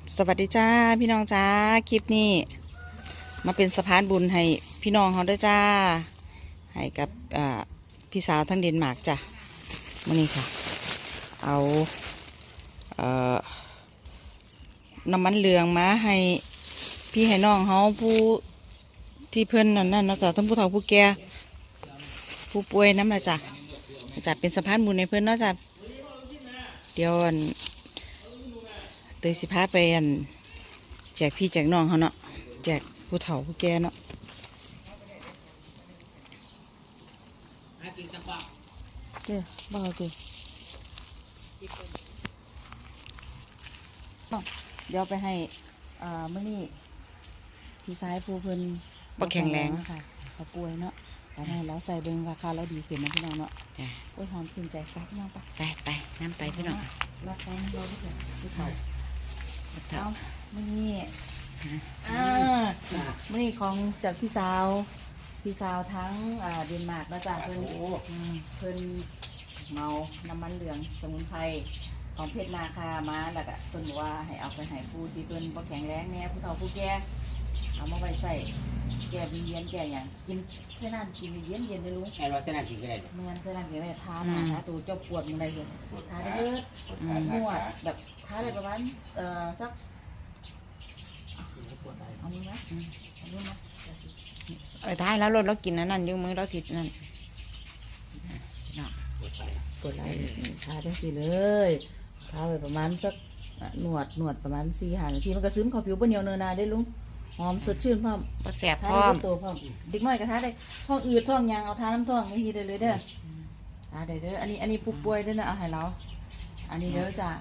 สวัสดีจ้าพี่น้องจ้าคลิปนี้มาเป็นสะพานบุญให้พี่น้องเขาด้วยจ้าให้กับพี่สาวทั้งเดนมาร์กจ้ะมื่อนี้ค่ะเอาน้ำมันเหลืองมาให้พี่ให้น้องเขาผู้ที่เพื่อนนั่นเนาะจ้ะทั้งผู้เฒ่าผู้แก่ผู้ป่วยน้ำนะจ้ะจะเป็นสะพานบุญในเพื่อนเนาะจ้ะเดี๋ยวเตยสิพาไปแจกพี่แจกน้องเขาเนาะแจกผู้เฒ่าผู้แก่เนาะเด้อบ่เอาเด้อเดี๋ยวไปให้มื้อนี้พี่ชายผู้เพิ่นบ่แข็งแรงค่ะเขาป่วยเนาะแต่ให้เราใส่เบิ่งราคาเราดีขึ้นนะพี่น้องเนาะจ้ะโอ้ยหอมชื่นใจไปพี่น้องไปน้ำไปพี่น้องรักแฟนเราด้วยผู้เฒ่าเอามื้อนี้มื้อนี้ของจากพี่สาวทั้งเดนมาร์กมาจากเพิ่นเมาน้ำมันเหลืองสมุนไพรของเพชรนาคามาแล้วก็เพิ่นบอกว่าให้เอาไปให้ผู้ที่เพิ่นบ่แข็งแรงแน่ผู้เฒ่าผู้แก่เอามาไว้ใส่แก่วิงเวียนแก่อย่างกินเส้นน้ำกินเย็นเลยลุงไอ้เราเส้นน้ำกินก็ได้เมื่อเส้นน้ำกินได้ทาหนาตัวเจ้าปวดมันอะไรอย่างทาได้เยอะนวดแบบทาได้ประมาณสักเอามือไหมเอามือไหมท้ายแล้วรถเรากินนั่นยุ่งมือเราติดนั่นปวดไหล่ทาได้สิเลยทาไปประมาณสักหนวดประมาณ4-5 นาทีมันก็ซึมเข้าผิวบนเหนียวเนินนาได้ลุงหอมสดชื่นพร้อมแสบพร้อมตัวพร้อมเด็กน้อยกระทาได้ท้องอืดท้องยางเอาทาน้ำท้องนี่ได้เลยเด้อได้เด้ออันนี้ผู้ป่วยด้วยนะเอาให้เราอันนี้เด้อจ้า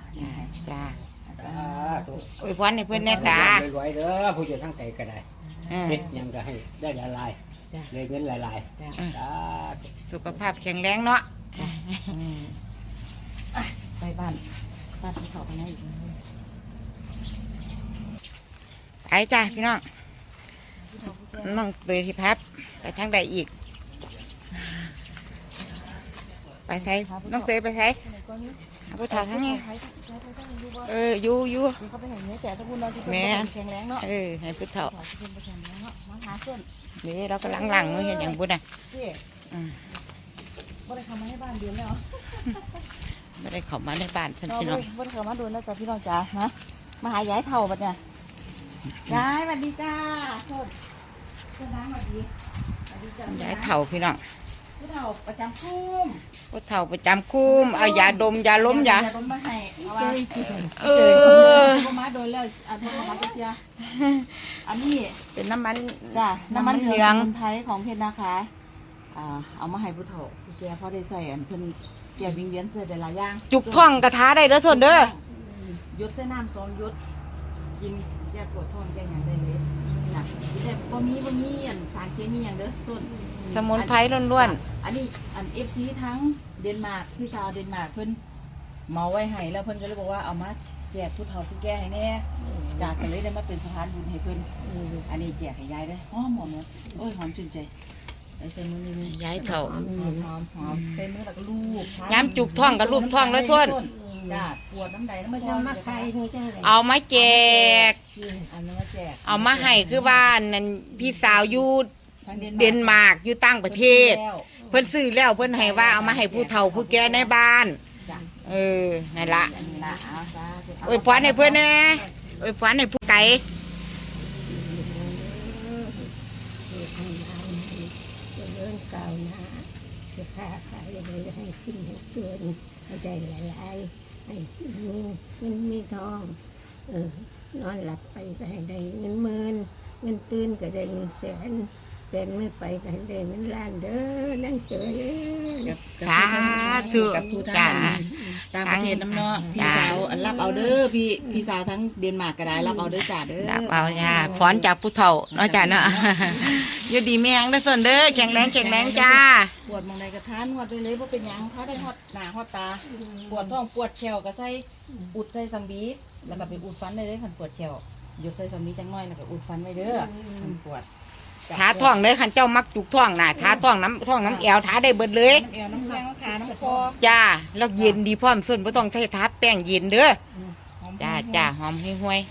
โอ้ยพรในเพื่อนแน่ตารวยเด้อผู้จะทั้งไก่ก็ได้เฮ็ดยังก็ให้ได้หลายเลยเงินหลายสุขภาพแข็งแรงเนาะไปบ้านที่เขากันได้อีกไปจ้าพี่น้องเตยที่พับไปทางใดอีกไปใส่น้องเตยไปใส่ผู้เฒ่าทั้งนี้อยู่เขาไปเห็นเนื้อแจกทุกคนเราที่เป็นแข็งแรงเนาะให้ผู้เฒ่านี่เรากำลังหลังมือเห็นอย่างบุญบ่ได้เข้ามาในบ้านเดือนแล้วไม่ได้เข้ามาในบ้านเพื่อนพี่น้องบ่ได้เข้ามาดูนะจ๊ะพี่น้องจ๋าฮะมาหายายเฒ่าบัดเนี่ยยายสวัสดีจ้าโทษน้ำสวัสดียายเฒ่าพี่น้องผู้เฒ่าประจำคุ้มเอายาดมยาล้มยาล้มมาให้มาโดนแล้วมาเจียอันนี้เป็นน้ำมันจ้าน้ำมันเหลืองสมุนไพรของเพชรนะคะเอามาให้ผู้เฒ่าผู้แก่พอได้ใส่เพิ่นแก่วิงเวียนเสื้อแต่ละอย่างจุกท้องกระทะได้เด้อส่วนเด้อยดเส้นน้ำ2 หยดกินแก้ปวดท้องแก้อย่างได้เลยนะแต่บ่มีสารเคมีอย่างเด้อส่วนสมุนไพรล้วนๆอันนี้FC ทั้งเดนมาร์กพี่สาวเดนมาร์กเพิ่นเมาไว้ให้แล้วเพิ่นก็เลยบอกว่าเอามาแจกผู้เฒ่าผู้แก่ให้แน่จากกันเลยได้มาเป็นสะพานบุญให้เพิ่นอันนี้แจกให้ยายด้วยหอมเลยโอ้ยหอมชื่นใจใส่มือนี่ยายเฒ่าหอมใส่มือแล้วก็ลูบย้ำจุกท้องกับลูบท้องแล้วส่วนปวดน้ำใดน้ำมันมาใครเอามาแจกเอามาให้คือบ้านนั่นพี่สาวอยู่เดนมาร์กอยู่ต่างประเทศเพิ่นซื้อแล้วเพิ่นให้ว่าเอามาให้ผู้เฒ่าผู้แก่ในบ้านนั่นละอวยพรให้เพื่อนนะอวยพรให้ผู้ไก่เก่านะเสื้อผ้าขายอะไรให้ขึ้นให้เกินให้ใจหลายๆให้มีเงินมีทองนอนหลับไปก็ให้ได้เงิน10,000เงินตื่นก็ได้เงิน100,000เป็นไม่ไปก็ให้ได้เงินล้านเด้อนั่งเจอสาธุกับผู้ท่านต่างประเทศน้ำเนาะพี่สาวรับเอาเด้อพี่สาวทั้งเดนมาร์กก็ได้รับเอาเด้อจ่าเด้อรับเอาจ้าพรจากผู้เฒ่าเนาะจ่าเนาะอยู่ดีแมงได้ส่วนเด้อแข็งแรงจ้าปวดมองใดกระทานวดได้เลยเพราะเป็นยังถ้าได้ฮอดหน้าฮอดตาปวดท้องปวดแขวก็ใส่อุดใส่สำลีแล้วก็ไปอุดฟันได้เลยคันปวดแขวหยุดใส่สำลีจังน้อยแล้วก็อุดฟันไว้เด้อปวดท้าท้องเลยขันเจ้ามักจุกท้องน่ะท้าท้องน้ำแอวท้าได้เบิดเลยน้ำแอวน้ำแรงขาน้ำคอจ้าแล้วเย็นดีพร้อมส่วนไม่ต้องใช้ท้าแป้งเย็นเด้อจ้าหอมห้วย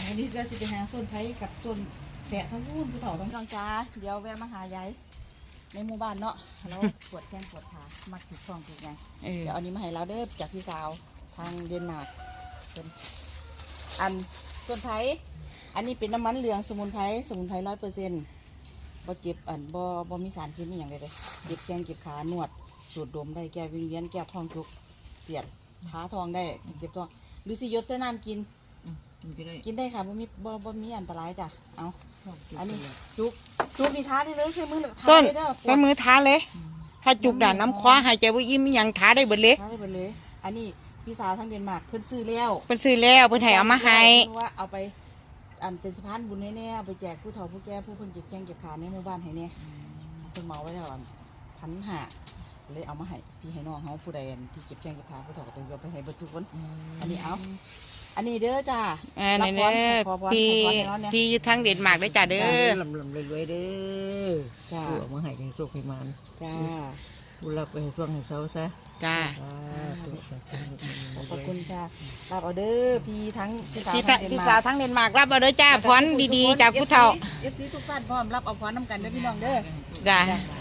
วันนี้ก็จะไปหาส่วนไผ่กับส่วนแสะทั้งวุ่นผู้เฒ่าทั้งน้องจ้าเดี๋ยวแวะมาหายายในหมู่บ้านเนาะแล้วปวดแข้งปวดขามักถูกท้องถูกไงเดี๋ยวเอานี้มาให้เราเด้อจากพี่สาวทางเดนมาร์กเป็นอันส่วนไผ่อันนี้เป็นน้ำมันเหลืองสมุนไพร100%บ่เจ็บบ่มีสารเคมีอย่างใดเลยเจ็บแข้งเจ็บขานวดสูดดมได้แก้วิงเวียนแก้ท้องจุกเสียดท้าท้องได้เจ็บท้องหรือสิยศเส้นน้ำกินกินได้ค่ะบ่มีอันตรายจ้ะเอาอันนี้จุกนี่ท้าได้เลยใช้มือท้าต้นได้เด้อใช้มือท้าเลย ถ้าจุกด่านน้ำคว้าหายใจว่าอิ่มมีหยังท้าได้เบิดเลยท้าได้หมดเลยอันนี้พี่สาวทั้งเดนมาร์กเพิ่นซื้อแล้วเพิ่นซื้อแล้วเพิ่นให้เอามาให้เพิ่นว่าเอาไปอันเป็นสะพานบุญให้แน่เอาไปแจกผู้เฒ่าผู้แก่ผู้เพิ่นเจ็บแข้งเจ็บขาในหมู่บ้านให้แน่เพิ่นเมาไว้แล้วอัน1,500เลยเอามาให้พี่ให้น้องเฮาผู้ใดอันที่เจ็บแข้งเจ็บขาผู้เฒ่าก็ต้องเอาไปให้เบิดทุกคนอันนี้เอาอันนี้เด้อจ้านี่เด้อขอพรพี่ขอพรให้เราเนี่ยพี่อยู่ทางเดนมาร์กได้อจ้าเด้อลำรวยๆเด้อจ้าผู้เอามาให้ให้โชคให้มานจ้าผู้รับไปให้ช่วงให้เซาซะจ้าขอบคุณจ้ารับออเดอร์พี่ทั้งพี่สาวพี่สาวทางเดนมาร์กรับเอาเด้อจ้าพรดีๆจากผู้เฒ่า FC ทุกท่านพร้อมรับเอาพรน้ำกันเด้อพี่น้องเด้อจ้า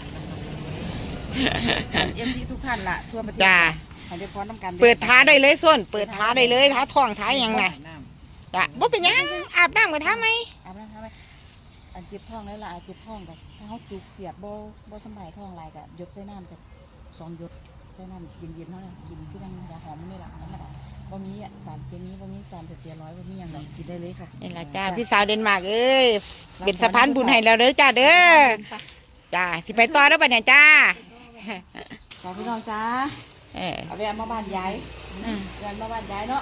FC ทุกท่านล่ะทั่วประเทศจ้าให้ได้พรน้ำกันเปิดท้าได้เลยส้นเปิดท้าได้เลยท้าท้องท้าหยังไงจ้ะบ่เป็นหยังอาบน้ำกันท้าไหมอาบน้ำทำไมอันเจ็บท้องแล้วล่ะเจ็บท้องกับถ้าเขาจุกเสียดบ่สบายท้องอะไรกับหยดใส่น้ำกับ2 หยดใส่น้ำเย็นๆเท่านั้นกินคือยังยาหอมนี่แหละธรรมดาบ่มีสารเคมีบ่มีสารสเตียรอยด์บ่มีอย่างไรกินได้เลยค่ะนี่ล่ะจ้าพี่สาวเดนมาร์กเอ้ยเป็นสะพานบุญให้เราเด้อจ้าเด้อจ้าสิไปต่อแล้วบัดเนี่ยจ้าขอพี่น้องจ้า เอาแวะมาบ้านยายแวะมาบ้านยายเนาะ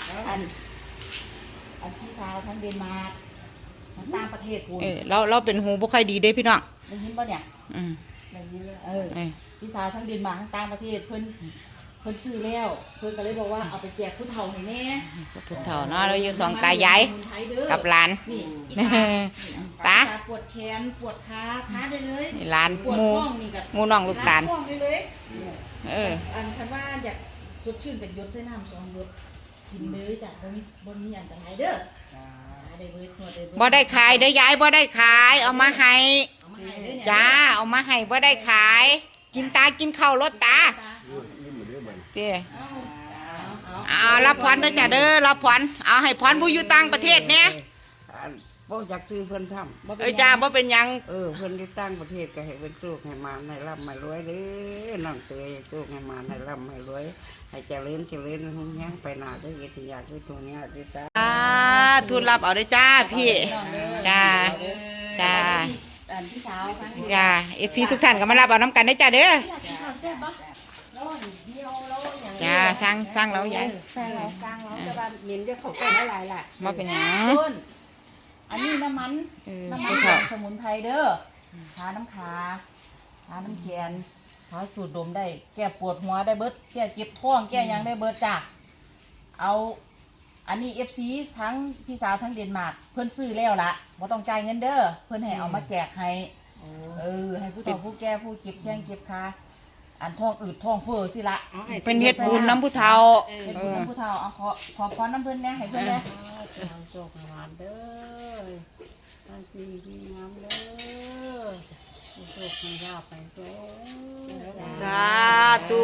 อันพี่สาวทั้งเดนมาร์กทั้งต่างประเทศพูนเราเป็นหูบ่ค่อยดีเด้อพี่น้องได้ยินป่ะเนี่ยอืมได้ยินเลยพี่สาวทั้งเดนมาร์กทั้งต่างประเทศเพิ่นซื้อแล้วเพิ่นก็เลยบอกว่าเอาไปแจกผู้เฒ่าให้แน่ผู้เฒ่าเนาะเราอยู่สองตายายกับหลานนี่ตาปวดแขนปวดขาท้าได้เลยหลานปวดหมูท้องนี่ก็หมูน้องลูกตาลท้องได้เลยอันคันว่าอยากสดชื่นเป็นยศใส่น้ำ2 หยดกินเลยจ้ะบ่มีอันตรายเด้อได้เบิดหมดเลยบ่ได้ขายได้อยายบ่ได้ขายเอามาให้เอามาให้เด้อเนี่ยจ้าเอามาให้บ่ได้ขาย กินตากินข้าวรถตาเจ้ เอารับพรเด้อจ้าเด้อรับพรเอาให้พรผู้อยู่ต่างประเทศเนี่ยบ่อยากซื้อเพิ่นทจ้าบ่เป็นหยังำเพิ่นอยู่ต่างประเทศก็ให้เพิ่นสู้ให้มาให้ร่ำให้รวยเด้อน้องเตยสู้ให้มาให้ร่ำให้รวยให้เจริญหุ่งแฮงไปหน้าเด้ออย่าสิอยากอยู่ตรงนี้ดิจ้าทุนรับเอาเด้อจ้าพี่จ้าจ้าพี่สาวทั้งจ้าเอฟซีทุกท่านก็มารับเอาน้ำกันได้อจ้าเด้อข้าวแซ่บปะแล้วเดียวแล้วอย่างจ้าสร้างเราใหญ่สร้างเราจะบ้านเหม็นจะของไปหลายล่ะบ่เป็นหยังต้นอันนี้น้ำมันสมุนไพรเด้อทาน้ำขาทาน้ำแขนทาสูดดมได้แก้ปวดหัวได้เบิดแก้เจ็บท้องแก้ยังได้เบิดจ้าเอาอันนี้ FC ทั้งพี่สาวทั้งเดนมาร์กเพิ่นซื้อแล้วล่ะบ่ต้องจ่ายเงินเด้อเพิ่นให้เอามาแจกให้ให้ผู้เฒ่าผู้แก่ผู้เจ็บแข้งเจ็บขาอันท้องอืดท้องเฟ้อสิละเป็นเฮ็ดบุญน้ำผู้เฒ่าเฮ็ดบุญน้ำผู้เฒ่าเอาขอพรน้ำเพิ่นแน่ให้เพิ่นแน่โชคงามเด้ออาชีพที่งามเด้อโชคให้ลาบไปเด้อสาธุ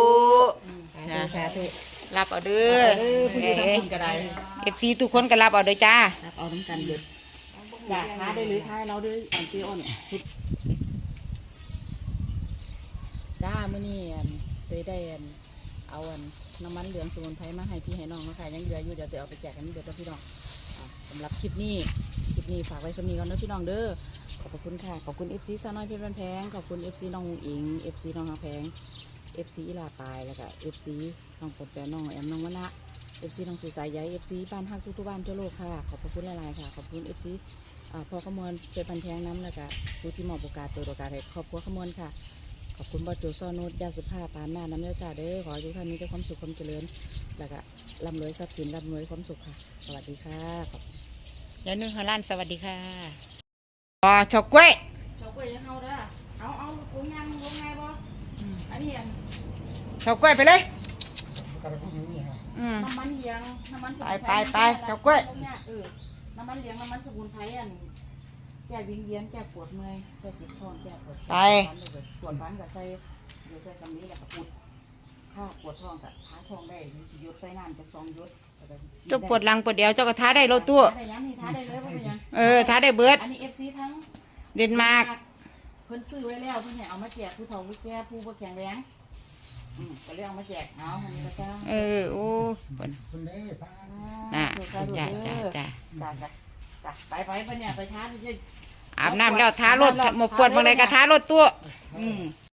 รับเอาเด้อผู้อยู่ทางคุณก็ได้เอฟซีทุกคนก็รับเอาเด้อจ้าครับเอาน้ำกันเด็ดจ้ะท้าได้เลยท้าเราด้วยอันเตี้ยอ่อนชุดจ้ามื้อนี้ได้เอาน้ำมันเหลืองสมุนไพรมาให้พี่ให้น้องนะคะยังเหลืออยู่เดี๋ยวจะเอาไปแจกกันเดี๋ยวพี่น้องสำหรับคลิปนี้ฝากไว้สมีก่อนนะพี่น้องเด้อขอบคุณค่ะขอบคุณ FC สาวน้อยเพชรบ้านแพงขอบคุณ FC น้องอุ๋งอิง FC น้องอาแพง FC อีลาปายแล้วก็ FC น้องปดแปรน้องแอมน้องวะนะ FC น้องสุสายใย FC บ้านฮักทุกบ้านทั่วโลกค่ะขอบคุณหลายๆค่ะขอบคุณ FC พอขมวลเป็นพันแพงน้ำแล้วก็ผู้ที่มอบโอกาสเปิดโอกาสให้ครอบครัวขมวลค่ะขอบคุณบอสโจซอนุชยาสุภาพปานหน้าน้ำเนื้อจ่าเด้อขอให้ทุกท่านมีแต่ความสุขความเจริญแล้วก็ร่ำรวยทรัพย์สินร่ำรวยความสุขค่ะสวัสดีค่ะขอบคุณยายนุ่นฮอลานสวัสดีค่ะอ๋อชอกกล้วยชาวกล้วยยังเฮาเด้อเอาลงงานบ่อันนี้ชอกกล้วยไปเลยอืมน้ำมันเหียงน้ำมันไปชาวกล้วยน้ำมันเหลืองน้ำมันสมุนไพรอันแก้วิงเวียนแก้ปวดเมื่อยแก้เจ็บท้องแก้ปวดปวดฟันกับใส่เดี๋ยวใส่สำลีแล้วก็ปุดข้าปวดท้องกับท้าท้องได้มีสิยศใส่น้ำจาก2 หยดเจ้าปวดหลังปวดเดียวเจ้าก็ท้าได้รถตู้ท้าได้ยังนี่ท้าได้เลยว่าเป็นยังท้าได้เบิดอันนี้ FC ทั้งเดนมาร์กเพิ่นซื้อไว้แล้วเพิ่นเนี่ยเอามาแจกผู้เฒ่าผู้แก่ผู้บ่แข็งแรงก็เลยเอามาแจกเอาอันนี้ก็จ้าโอ้ปนคุณเด้สาน่ะจ้าจ้าจ้าไปเพิ่นเนี่ยไปท้าที่อาบน้ำแล้วท้ารถหมกปวดบางไรก็ท้ารถตู้อืม